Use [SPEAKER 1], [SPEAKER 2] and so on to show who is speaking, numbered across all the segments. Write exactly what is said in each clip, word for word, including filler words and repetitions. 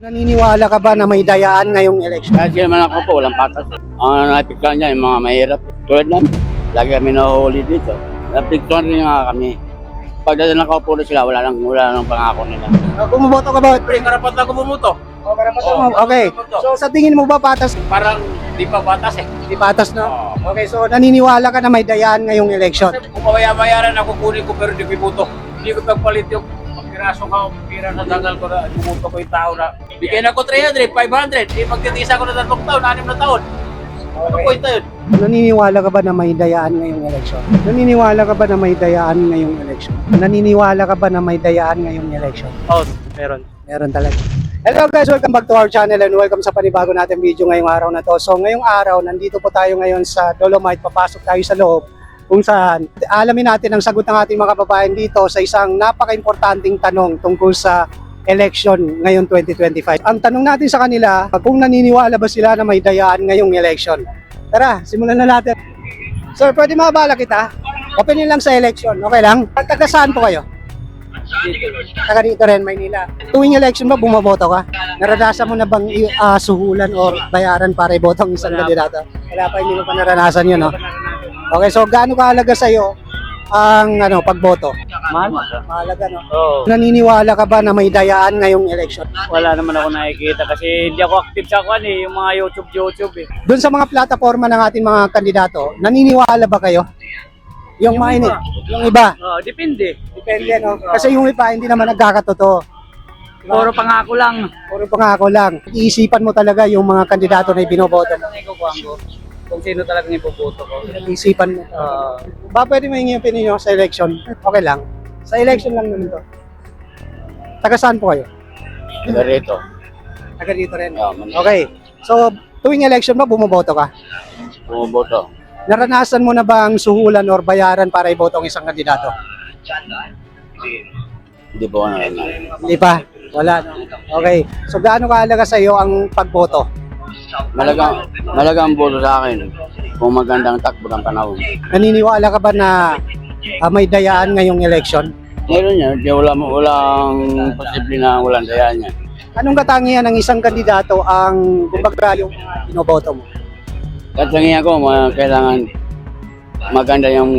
[SPEAKER 1] Naniniwala ka ba na may dayaan ngayong eleksyon?
[SPEAKER 2] Kahit naman ako po, walang patas. Ang napiktuan niya, yung mga mahirap. Tulad namin, lagi kami nahuhuli dito. Napiktuan rin nga kami. Pagdating nakaupo na sila, wala nang, wala nang pangako nila.
[SPEAKER 1] Uh, bumoboto ka ba?
[SPEAKER 3] Siyempre, karapat na bumuto.
[SPEAKER 1] O, karapatan
[SPEAKER 3] Oo,
[SPEAKER 1] mo. Okay.
[SPEAKER 3] bumoboto.
[SPEAKER 1] So, sa tingin mo ba patas?
[SPEAKER 3] Parang di pa batas eh.
[SPEAKER 1] Di patas, no?
[SPEAKER 3] Oo.
[SPEAKER 1] Okay, so naniniwala ka na may dayaan ngayong eleksyon?
[SPEAKER 3] Kasi kung mawaya-mayaran ako, kunin ko pero di ko ibuto. Hindi ko pagpalit yung pagpiraso ka, pira sa dagal ko na bumuto ko yung tao na. Bigyan ako three hundred, five hundred. Eh, magtitisa ko na tatlong taon, anim na taon. Ano po ito yun?
[SPEAKER 1] Naniniwala ka ba na may dayaan ngayong eleksyon? Naniniwala ka ba na may dayaan ngayong eleksyon? Naniniwala ka ba na may dayaan ngayong eleksyon?
[SPEAKER 4] Oh, meron.
[SPEAKER 1] Meron talaga. Hello guys, welcome back to our channel and welcome sa panibago natin video ngayong araw na to. So ngayong araw, nandito po tayo ngayon sa Dolomite, papasok tayo sa loob kung saan alamin natin ang sagot ng ating mga kababayan dito sa isang napaka-importanting tanong tungkol sa election ngayon twenty twenty-five. Ang tanong natin sa kanila, kung naniniwala ba sila na may dayaan ngayong election. Tara, simulan na natin. Sir, pwede mabala kita? Opinion lang sa election, okay lang? Taga saan po kayo? Taga dito rin, Maynila. Tuwing election ba, bumoboto ka? Naranasan mo na bang uh, suhulan o bayaran para iboto ang isang kandidato? Wala pa, hindi mo pa naranasan yun, no? Okay, so gaano kahalaga sa'yo ang ano, pagboto?
[SPEAKER 4] Mahal?
[SPEAKER 1] Mahalaga, no?
[SPEAKER 4] Oo.
[SPEAKER 1] Naniniwala ka ba na may dayaan ngayong election?
[SPEAKER 4] Wala naman ako nakikita kasi hindi ako active sa kwan eh, yung mga YouTube, YouTube eh.
[SPEAKER 1] Doon sa mga plataforma ng ating mga kandidato, naniniwala ba kayo? Yung,
[SPEAKER 4] Yung
[SPEAKER 1] mga ini,
[SPEAKER 4] iba.
[SPEAKER 1] yung iba.
[SPEAKER 4] Oo, depende.
[SPEAKER 1] Depende, no? Kasi yung iba, hindi naman nagkakatotoo.
[SPEAKER 4] Puro pangako lang.
[SPEAKER 1] Puro pangako lang. Iisipan mo talaga yung mga kandidato na ibinoboto mo.
[SPEAKER 4] Talagang ikukuhan ko. Kung sino talagang ipoboto ko.
[SPEAKER 1] Iisipan mo.
[SPEAKER 4] Oo.
[SPEAKER 1] Ba pwede mo yung opinion nyo sa election? Okay lang. Sa election lang naman to. Taga saan po kayo?
[SPEAKER 2] Taga rito.
[SPEAKER 1] Taga dito rin.
[SPEAKER 2] Oh, Manila.
[SPEAKER 1] Okay. So, tuwing election ba, bumoboto ka?
[SPEAKER 2] Bumuboto.
[SPEAKER 1] Naranasan mo na ba ang suhulan or bayaran para iboto ang isang kandidato?
[SPEAKER 2] Hindi po ano.
[SPEAKER 1] Hindi pa. Wala. No? Okay. So, gaano kahalaga sa iyo ang pagboto?
[SPEAKER 2] Malaga, malaga ang boto sa akin kung magandang takbo ng panahon.
[SPEAKER 1] Naniniwala ka ba na ah, may dayaan ngayong election?
[SPEAKER 2] Meron yan, di wala mo, walang posible na walang dayaan yan.
[SPEAKER 1] Anong katangian ng isang kandidato ang kumbaga yung binoboto mo?
[SPEAKER 2] Katangian ko, mga kailangan maganda yung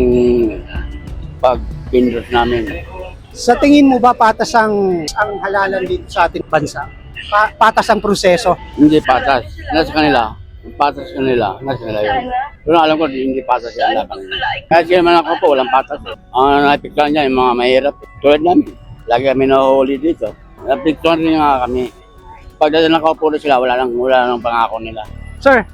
[SPEAKER 2] pag-pindot namin.
[SPEAKER 1] Sa tingin mo ba patas ang, ang halalan dito sa ating bansa? Pa- patas ang proseso?
[SPEAKER 2] Hindi patas. Nasa kanila. Patas kanila. Nasa kanila yun. Pero alam ko, hindi patas yan. Laban. Kahit naman ako po, walang patas. Ang napiktuan niya, yung mga mahirap. Tulad namin, lagi kami nahuhuli dito. Napiktuan rin nga kami. Pagdating nakaupo na sila, wala nang, wala nang pangako nila.
[SPEAKER 1] Sir,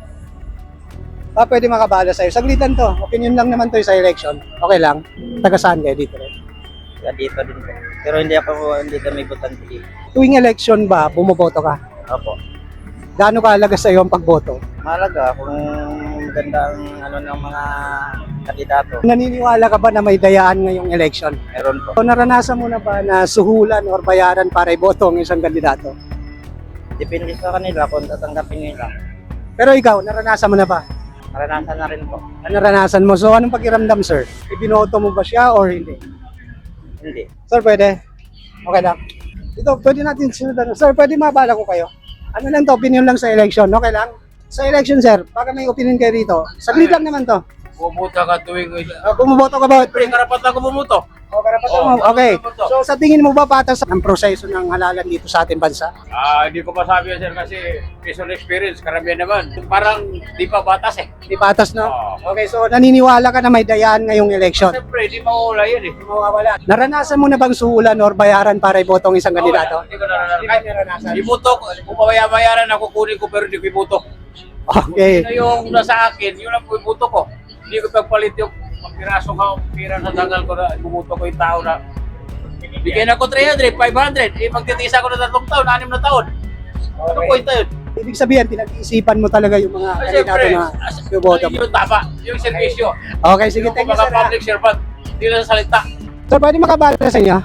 [SPEAKER 1] ah, pwede makabala sa'yo. Saglitan to. Opinion lang naman to sa election. Okay lang. Taga saan kayo dito rin?
[SPEAKER 4] Kaya dito din po. Pero hindi ako, hindi kami butante.
[SPEAKER 1] Tuwing election ba, bumoboto ka?
[SPEAKER 4] Opo.
[SPEAKER 1] Gaano kahalaga sa iyo ang pagboto?
[SPEAKER 4] Mahalaga kung maganda ang ano ng mga kandidato.
[SPEAKER 1] Naniniwala ka ba na may dayaan ngayong election?
[SPEAKER 4] Meron po.
[SPEAKER 1] O naranasan mo na ba na suhulan or bayaran para iboto ang isang kandidato?
[SPEAKER 4] Depende sa kanila kung tatanggapin nila.
[SPEAKER 1] Pero ikaw, naranasan mo na ba?
[SPEAKER 4] Naranasan na rin po.
[SPEAKER 1] Ano naranasan mo? So anong pakiramdam, sir? Ibinoto mo ba siya or hindi?
[SPEAKER 4] Hindi.
[SPEAKER 1] Sir, pwede? Okay lang. Ito, pwede natin sinudan. Sir, pwede mabala ko kayo? Ano lang to, opinion lang sa election, okay lang? Sa election, sir, baka may opinion kayo rito. Saglit lang naman to.
[SPEAKER 3] Bumuto ka tuwing...
[SPEAKER 1] Uh, bumoboto ka ba?
[SPEAKER 3] Siyempre, karapat na bumuto.
[SPEAKER 1] O, karapatan mo.
[SPEAKER 3] Oo,
[SPEAKER 1] Okay.
[SPEAKER 3] bumoboto.
[SPEAKER 1] So, sa tingin mo ba patas ang proseso ng halalan dito sa ating bansa?
[SPEAKER 3] Ah, hindi ko masabi yan, sir, kasi personal experience, karamihan naman. Parang di pa batas eh.
[SPEAKER 1] Di patas, no?
[SPEAKER 3] Oo.
[SPEAKER 1] Okay, so naniniwala ka na may dayaan ngayong election?
[SPEAKER 3] Siyempre, di mawala yan eh.
[SPEAKER 1] Mawawala. Naranasan mo na bang suhulan or bayaran para iboto ang isang kandidato?
[SPEAKER 3] Hindi ko naranasan.
[SPEAKER 1] Hindi mo naranasan.
[SPEAKER 3] Ibuto ko, kung mawaya-mayaran ako, kunin ko pero di ko ibuto.
[SPEAKER 1] Okay.
[SPEAKER 3] Ito yung nasa akin, yun ang ibuto ko. Hindi ko pagpalit yung pagpiraso ka, pira sa dagal ko na bumuto ko yung tao na. Bigyan ako three hundred, five hundred. Eh, magtitisa ko na tatlong taon, anim na taon. Ano po ito yun?
[SPEAKER 1] Ibig sabihin, pinag-iisipan mo talaga yung mga
[SPEAKER 3] Ay,
[SPEAKER 1] kandidato
[SPEAKER 3] siyempre,
[SPEAKER 1] na iboboto mo.
[SPEAKER 3] yung tama, yung servisyo.
[SPEAKER 1] Okay, sige,
[SPEAKER 3] Yung
[SPEAKER 1] thank you,
[SPEAKER 3] mga
[SPEAKER 1] sir. ha.
[SPEAKER 3] public servant, hindi na salita.
[SPEAKER 1] Sir, pwede makabala sa inyo?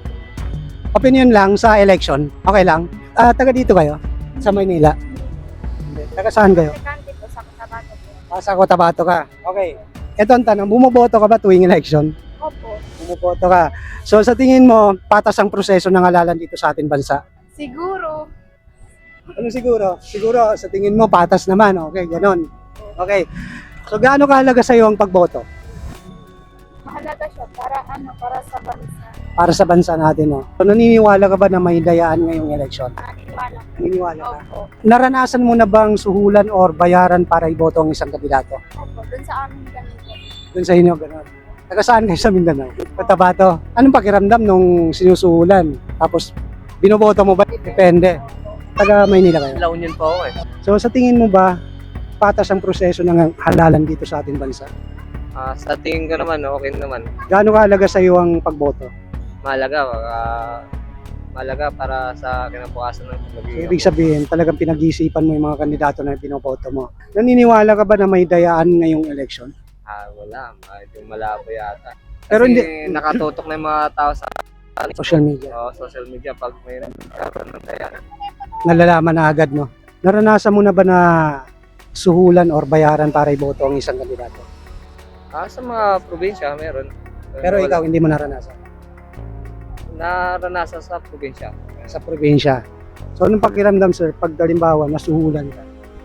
[SPEAKER 1] Opinion lang sa election. Okay lang. Ah, taga dito kayo? Sa Maynila? Hindi. Taga saan kayo?
[SPEAKER 5] Aplikante po sa Cotabato po.
[SPEAKER 1] Ah, sa Cotabato ka. Okay. Ito ang tanong, bumoboto ka ba tuwing election?
[SPEAKER 5] Opo.
[SPEAKER 1] Bumoboto ka. So sa tingin mo, patas ang proseso ng halalan dito sa ating bansa?
[SPEAKER 5] Siguro,
[SPEAKER 1] Ano siguro? Siguro sa tingin mo patas naman, okay, ganon. Okay. So gaano kahalaga sa iyo ang pagboto
[SPEAKER 5] Mahalaga siya para ano, para sa bansa.
[SPEAKER 1] para sa bansa natin, no? So naniniwala ka ba na may dayaan ngayong eleksyon?
[SPEAKER 5] Naniniwala.
[SPEAKER 1] Naniniwala ka?
[SPEAKER 5] Opo.
[SPEAKER 1] Naranasan mo na bang suhulan or bayaran para iboto ang isang kandidato?
[SPEAKER 5] Opo. Doon sa amin ganito.
[SPEAKER 1] Doon sa inyo, ganon. Taga saan kayo sa Mindanao? Cotabato. Anong pakiramdam nung sinusuhulan? Tapos binoboto mo ba? Depende. Taga Maynila kayo.
[SPEAKER 6] La Union po ako eh.
[SPEAKER 1] So sa tingin mo ba patas ang proseso ng halalan dito sa ating bansa?
[SPEAKER 6] Ah, sa tingin ko naman, okay naman.
[SPEAKER 1] Gaano kahalaga sa iyo ang pagboto?
[SPEAKER 6] Mahalaga, ah, mahalaga para sa kinabukasan ng
[SPEAKER 1] So,
[SPEAKER 6] magiging.
[SPEAKER 1] ibig sabihin, talagang pinag-iisipan mo yung mga kandidato na binoboto mo. Naniniwala ka ba na may dayaan ngayong election?
[SPEAKER 6] Ah, wala, medyo malabo yata. Kasi
[SPEAKER 1] Pero hindi-
[SPEAKER 6] nakatutok na yung mga tao sa
[SPEAKER 1] Social media.
[SPEAKER 6] oh, social media pag may nagkaroon ng kaya.
[SPEAKER 1] Nalalaman na agad, no? Naranasan mo na ba na suhulan or bayaran para iboto ang isang kandidato?
[SPEAKER 6] Ah, sa mga probinsya meron.
[SPEAKER 1] Pero
[SPEAKER 6] Wala.
[SPEAKER 1] ikaw, hindi mo naranasan.
[SPEAKER 6] Naranasan sa probinsya.
[SPEAKER 1] Sa probinsya. So, anong pakiramdam, sir, pag halimbawa, nasuhulan ka?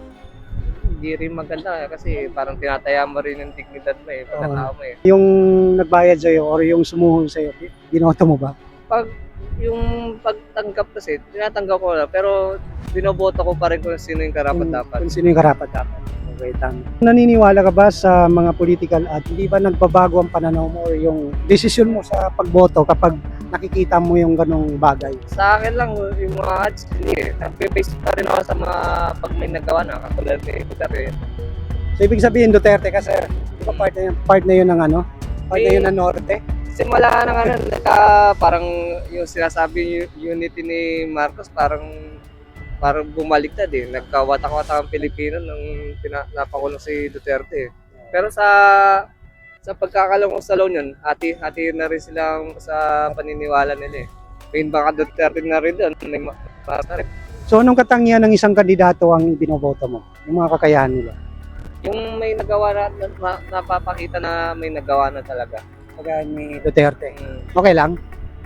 [SPEAKER 6] Hindi rin maganda eh, kasi parang tinataya mo rin yung dignidad mo eh, pagkatao mo eh.
[SPEAKER 1] Yung nagbayad sa'yo or yung sumuhol sa'yo, binoto mo ba?
[SPEAKER 6] Pag yung pagtanggap kasi, tinatanggap ko na, pero binoboto ko pa rin kung sino yung karapat dapat.
[SPEAKER 1] Kung sino yung karapat dapat. Okay, tama. Naniniwala ka ba sa mga political at hindi ba nagbabago ang pananaw mo or yung desisyon mo sa pagboto kapag nakikita mo yung ganong bagay?
[SPEAKER 6] Sa akin lang, yung mga ads, hindi eh. Nagbe-base pa rin ako sa mga pag may nagawa na, katulad ni Duterte.
[SPEAKER 1] So, ibig sabihin Duterte ka, sir. Di ba part na yun, part na yun ng ano? Part na yun ng Norte?
[SPEAKER 6] Simula na nga na, nagka, parang yung sinasabi yung unity ni Marcos, parang parang bumaliktad eh. Nagkawatak-watak ang Pilipino nung pina- napakulong si Duterte eh. Pero sa sa pagkakalong ko sa La Union, hati, hati na rin silang sa paniniwala nila eh. May baka Duterte na rin doon, may ma- ma-
[SPEAKER 1] So, anong katangian ng isang kandidato ang binoboto mo? Yung mga kakayahan nila?
[SPEAKER 6] yung may nagawa na, na, na- napapakita na may nagawa na talaga.
[SPEAKER 1] Kagaya ni Duterte.
[SPEAKER 6] Mm.
[SPEAKER 1] Okay lang?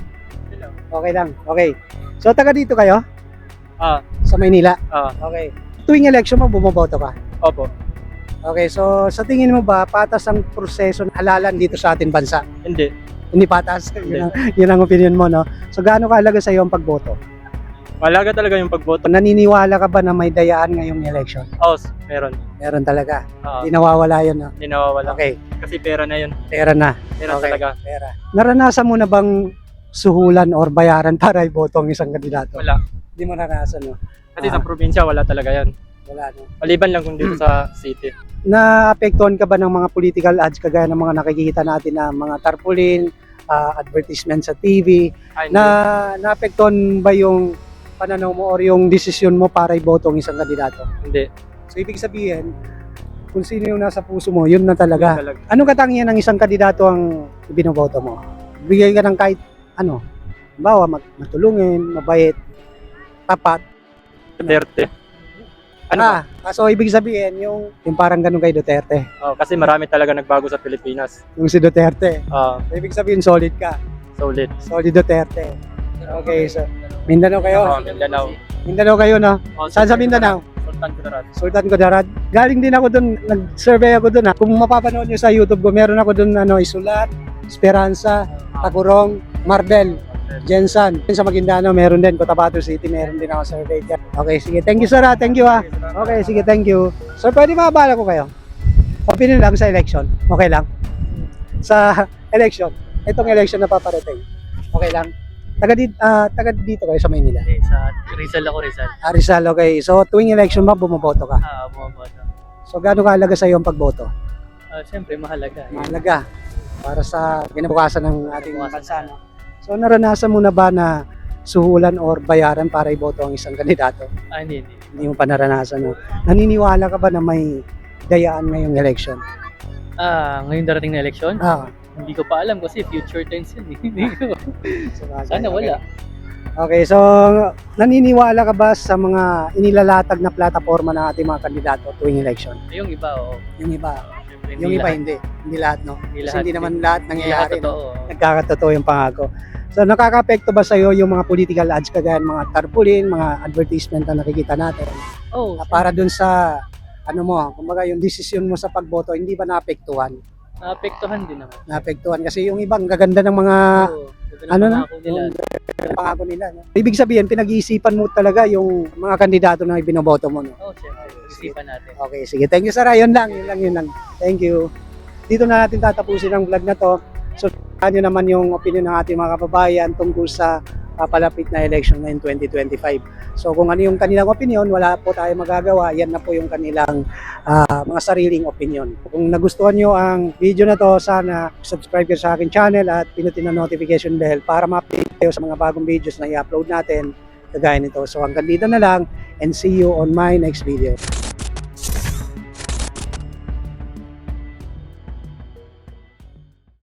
[SPEAKER 1] Okay lang. Okay. So, taga dito kayo?
[SPEAKER 4] Ah,
[SPEAKER 1] Sa Maynila?
[SPEAKER 4] ah,
[SPEAKER 1] Okay. Tuwing election mo, bumoboto ka?
[SPEAKER 4] opo.
[SPEAKER 1] Okay, so sa tingin mo ba patas ang proseso ng halalan dito sa ating bansa?
[SPEAKER 4] Hindi.
[SPEAKER 1] Hindi patas?
[SPEAKER 4] Hindi.
[SPEAKER 1] Yun ang, yun ang opinion mo, no? So gaano kahalaga sa iyo ang pagboto?
[SPEAKER 4] Mahalaga talaga yung pagboto.
[SPEAKER 1] Naniniwala ka ba na may dayaan ngayong election?
[SPEAKER 4] Oh, meron.
[SPEAKER 1] Meron talaga.
[SPEAKER 4] Ah,
[SPEAKER 1] Hindi nawawala yun, no?
[SPEAKER 4] hindi nawawala.
[SPEAKER 1] Okay,
[SPEAKER 4] Kasi pera na yun.
[SPEAKER 1] pera na.
[SPEAKER 4] Pera
[SPEAKER 1] Okay.
[SPEAKER 4] talaga.
[SPEAKER 1] Pera. Naranasan mo na bang suhulan or bayaran para iboto ang isang kandidato?
[SPEAKER 4] Wala.
[SPEAKER 1] Hindi mo naranasan, no?
[SPEAKER 4] Kasi
[SPEAKER 1] Ah.
[SPEAKER 4] sa probinsya, wala talaga yan.
[SPEAKER 1] Wala, no?
[SPEAKER 4] Maliban lang kung dito sa city.
[SPEAKER 1] Naapektuhan ka ba ng mga political ads kagaya ng mga nakikita natin na mga tarpaulin, ah, advertisement sa T V?
[SPEAKER 4] Ay,
[SPEAKER 1] Na naapektuhan ba yung pananaw mo or yung desisyon mo para iboto ang isang kandidato?
[SPEAKER 4] hindi.
[SPEAKER 1] So ibig sabihin, kung sino yung nasa puso mo, yun na talaga.
[SPEAKER 4] Talaga.
[SPEAKER 1] Anong katangian ng isang kandidato ang binoboto mo? Bigay ka ng kahit ano, bawa matulungin, mabait, tapat.
[SPEAKER 4] Duterte. Ano ba?
[SPEAKER 1] Ah, so ibig sabihin, yung, yung parang ganun kay Duterte.
[SPEAKER 4] Oh, kasi marami talaga nagbago sa Pilipinas.
[SPEAKER 1] Yung si Duterte.
[SPEAKER 4] Ah,
[SPEAKER 1] So, ibig sabihin, solid ka.
[SPEAKER 4] solid.
[SPEAKER 1] Solid Duterte. Okay, so Mindanao kayo?
[SPEAKER 4] Oh, Mindanao.
[SPEAKER 1] Mindanao kayo, no?
[SPEAKER 4] Oh,
[SPEAKER 1] Saan sa Mindanao?
[SPEAKER 4] Sultan Kudarat.
[SPEAKER 1] Sultan Kudarat. Galing din ako doon, nag-survey ako doon. Ha. Kung mapapanood nyo sa YouTube ko, meron ako doon ano, Isulat, Esperanza, Tacurong, Marbel, Jensan. Sa Maguindanao, meron din. Cotabato City, meron din ako survey dyan. Okay, sige. Thank you, sir. ha. Thank you, ha. Okay, sige. Thank you. Sir, pwede makabala ko kayo? Opinion lang sa election. Okay lang? Sa election. Itong election na paparating. Okay lang? Taga, di, ah, taga dito kayo sa Maynila.
[SPEAKER 4] Eh, sa Rizal ako, Rizal.
[SPEAKER 1] Ah, Rizal, okay. So, tuwing election ba, bumoboto ka?
[SPEAKER 4] Ah, bumaboto.
[SPEAKER 1] So, gaano kahalaga sa iyo ang pagboto?
[SPEAKER 4] Ah, siyempre, mahalaga.
[SPEAKER 1] Mahalaga para sa kinabukasan ng ating bansa. No? So, naranasan mo na ba na suhulan or bayaran para iboto ang isang kandidato?
[SPEAKER 4] Ah, hindi, hindi.
[SPEAKER 1] Hindi mo pa naranasan. No? Naniniwala ka ba na may dayaan ngayong election?
[SPEAKER 7] Ah, ngayon darating na eleksyon?
[SPEAKER 1] Ah,
[SPEAKER 7] Hindi ko pa alam kasi future tense yun. eh. Hindi ko.
[SPEAKER 1] sabagay,
[SPEAKER 7] Sana
[SPEAKER 1] okay.
[SPEAKER 7] wala.
[SPEAKER 1] Okay, so naniniwala ka ba sa mga inilalatag na plataforma ng ating mga kandidato tuwing election?
[SPEAKER 7] Yung iba, oo.
[SPEAKER 1] Yung iba,
[SPEAKER 7] Siyempre,
[SPEAKER 1] yung iba
[SPEAKER 7] lahat.
[SPEAKER 1] hindi. Hindi lahat, no?
[SPEAKER 7] Hindi
[SPEAKER 1] Kasi
[SPEAKER 7] lahat.
[SPEAKER 1] hindi naman lahat
[SPEAKER 7] Hindi lahat
[SPEAKER 1] nangyayari, no?
[SPEAKER 7] totoo.
[SPEAKER 1] Nagkakatotoo yung pangako. So nakaka-apekto ba sa'yo yung mga political ads kagaya ng mga tarpaulin, mga advertisement na nakikita natin?
[SPEAKER 7] Oh,
[SPEAKER 1] Ah, para dun sa ano mo, kumbaga yung desisyon mo sa pagboto, hindi ba naapektuhan?
[SPEAKER 7] naapektuhan din naman.
[SPEAKER 1] Naapektuhan kasi yung ibang gaganda ng mga
[SPEAKER 7] Oo, ganda ng
[SPEAKER 1] ano na?
[SPEAKER 7] pangako nila.
[SPEAKER 1] yung pangako nila. No? Ibig sabihin, pinag-iisipan mo talaga yung mga kandidato na ibinoboto mo. No?
[SPEAKER 7] Oh, syempre. Isipan natin.
[SPEAKER 1] Okay, sige. Thank you, sir. Yun lang, yun lang, yun lang. Thank you. Dito na natin tatapusin ang vlog na to. So, ano naman yung opinion ng ating mga kababayan tungkol sa papalapit na election ngayong twenty twenty-five. So, kung ano yung kanilang opinion, wala po tayo magagawa. Yan na po yung kanilang ah, mga sariling opinion. Kung nagustuhan nyo ang video na to, sana subscribe kayo sa akin channel at pinutin ang notification bell para ma-update kayo sa mga bagong videos na i-upload natin kagaya nito. So, hanggang dito na lang and see you on my next video.